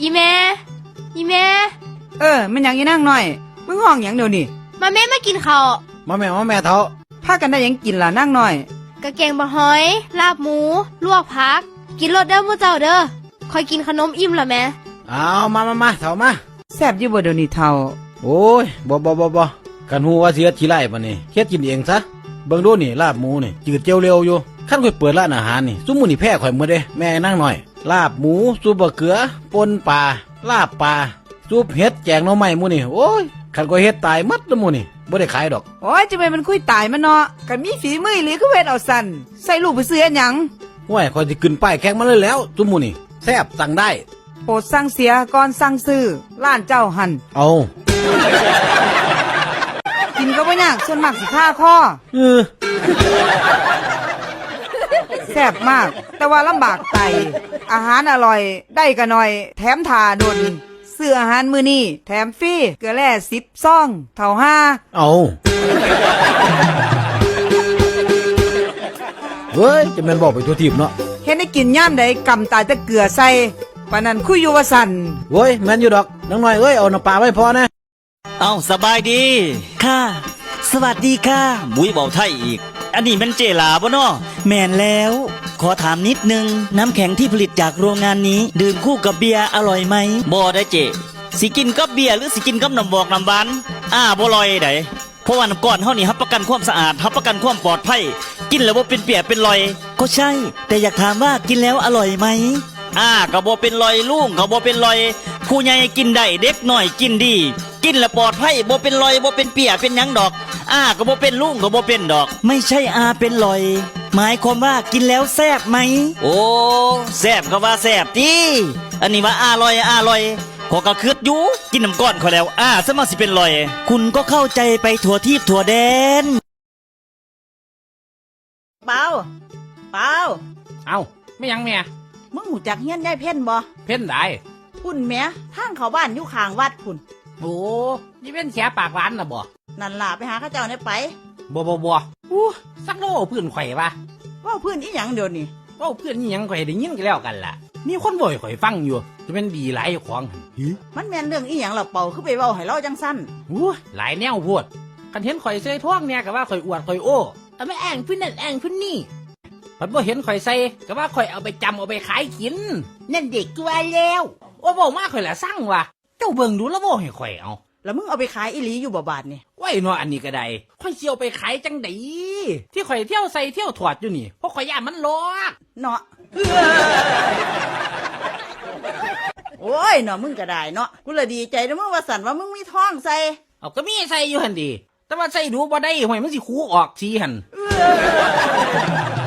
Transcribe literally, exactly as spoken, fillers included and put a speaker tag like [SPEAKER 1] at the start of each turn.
[SPEAKER 1] อีแม่อีแม่
[SPEAKER 2] เออมันหยังอีนั่งหน่อยมึงห้องหยังเดี๋ยวนี้
[SPEAKER 1] มาแม่มากินข้าว
[SPEAKER 3] มาแม่มาแม่เถา
[SPEAKER 2] พากันได้หยังกินล่ะนั่งหน่อย
[SPEAKER 1] กะแกงบะหอยลาบหมูลวกผักกินรสเด้อมื้อเจ้าเด้อคอยกินขนมอิ่มละแม่
[SPEAKER 3] เอามามามาเถามา
[SPEAKER 2] แซ่บอยู่บ่เดี๋ยวนี้เฒ่า
[SPEAKER 3] โอ้ยบ่บ่บ่บ่กันฮู้ว่าสิเฮ็ดขี้ไร่ปะนี่เฮ็ดกินเองซะเบิ่งดูนี่ลาบหมูนี่จืดเจียวเร็วอยู่คันข่อยเปิดร้านอาหารนี่ซุมื้อนี่แพ้ข่อยหมดเด้แม่นั่งหน่อยลาบหมูซุปบะเขือป่นปลาลาบปลาซุปเห็ดแกงหน่อไม้หมู่นี่โอ้ยคันข่อยเฮ็ดตายหมดแล้วหมู่นี่บ่ได้ขายดอก
[SPEAKER 2] โอ้ยจะไปมันคุยตายมันเนาะกันมีฝีมือหรือคือเฮ็ดเอาสั่นใส่ลูกไปซื้อหยัง
[SPEAKER 3] ห้วยข่อยสิขึ้นป้ายแข่งมาเลยแล้วซุมื้อนี่แซ่บสั่งได้
[SPEAKER 2] โปรดสั่งเสียก่อนสั่งซื้อร้านเจ้าหัน
[SPEAKER 3] เอา
[SPEAKER 2] กินก็บ่ยากส่วนมากสิค่าคอ
[SPEAKER 3] เออ
[SPEAKER 2] แซ่บมากแต่ว่าลำบากไตอาหารอร่อยได้ก็น้อยแถมทาดนซื้ออาหารมื้อนี้แถมฟรีเกลือแร่สิบซองเท่าห้า
[SPEAKER 3] เอาเฮ้ยจะแม่นบอกไปตัวทีบเนาะ
[SPEAKER 2] เฮ็ดให้กินย่ามใดกำตายแต่เกลือใส่ปานนั้นคุยอยู่ว่าสั่น
[SPEAKER 3] เว้ยแม่นอยู่ดอกน้องน้อยเอ้ยเอาน้ำปลาไว้พอนะ
[SPEAKER 4] เอาสบายดีค่ะสวัสดีค่ะบุ้ยเบาไทยอีกอันนี้มันเจลาบ่เนาะแม่นแล้วขอถามนิดนึงน้ำแข็งที่ผลิตจากโรงงานนี้ดื่มคู่กับเบียร์อร่อยไหมบ่ได้เจสิกินกับเบียร์หรือสิกินกับน้ำบอกน้ำหวานอ้าบ่ลอยไดเพราะว่าน้ำก้อนเฮานี่รับประกันความสะอาดรับประกันความปลอดภัยกินแล้วบ่เป็นเปียกเป็นรอยก็ใช่แต่อยากถามว่ากินแล้วอร่อยไหมอ้าก็บ่เป็นรอยลุงก็บ่เป็นรอยผู้ใหญ่กินได้เด็กน้อยกินดีกินแล้วปลอดภัยบ่เป็นรอยบ่เป็นเปียกเป็นหยังดอกอ้าก็บ่เป็นลุงก็บ่เป็นดอกไม่ใช่อาเป็นรอยหมายความว่ากินแล้วแซ่บไหมโอ้แซ่บก็ว่าแซ่บติอันนี้ว่าอร่อยอร่อยขอก็คืดอยู่กินน้ำก้อนเขาแล้วอ้าซะมาสิเป็นรอยคุณก็เข้าใจไปทั่วทิพย์ทั่วแดน
[SPEAKER 5] เปล่าเปล่า
[SPEAKER 6] เอ้าไม่ยังแม่
[SPEAKER 5] มึงหูจักเฮียนยายเพ่นบ่
[SPEAKER 6] เพ่นได้
[SPEAKER 5] พุ่นแม่ทางเขาบ้านอยู่ข้างวัดพุ่น
[SPEAKER 6] โอ้ยี่เป็นแฉปากหวานน่ะบ่
[SPEAKER 5] นั่นล่ะไปหาข้าเจ้าเนี่ยไป
[SPEAKER 6] บ่บ่บ่อู้สักโลเพื่อนข่อยปะ
[SPEAKER 5] ว่าเพื่อนอีหยังเดี๋ยวนี้
[SPEAKER 6] ว่าเพื่อนอีหยังข่อยได้ยินกันแล้วกันล่ะมีคนบ่อยข่อยฟังอยู่จะเป็นดีหลายของ
[SPEAKER 5] มันแม่นเรื่องอีหยังล่ะเป่าคือไปเว้าให้เราจังสั้น
[SPEAKER 6] อู้หลายแนวพูดกันเห็นข่อยใส่ท้องเนี่ยก็ว่าข่อยอวดข่อยโอ้เอาไม่แองพื้นนั่นแองพื้นนี่พัดบ่เห็นข่อยใส่ก็ว่าข่อยเอาไปจำเอาไปขายกินนั่นเด็กตัวแล้วว่าบ่มาข่อยละสั่งว่ะเจ้าเบิ่งดูแล้วบ่ให้ข่อยเอา
[SPEAKER 5] แล้วมึงเอาไปขายอีหลีอยู่บ่บาดนี่
[SPEAKER 6] ไว้เนาะอันนี้ก็ได้ข่อยสิเอาไปขายจังได๋ที่ข่อยเที่ยวใส่เที่ยวถอดอยู่นี่เพราะข่อยย่านมันลอก
[SPEAKER 5] เนาะโอ้ยเนาะมึงก็ได้เนาะกูละดีใจนะมึงว่าสั่นว่ามึงมีท้องใส่
[SPEAKER 6] เอาก็มีใส่อยู่หั่นดิแต่ว่าใส่ดูบ่ได้ห่วยมันสิคูออกสิหั่น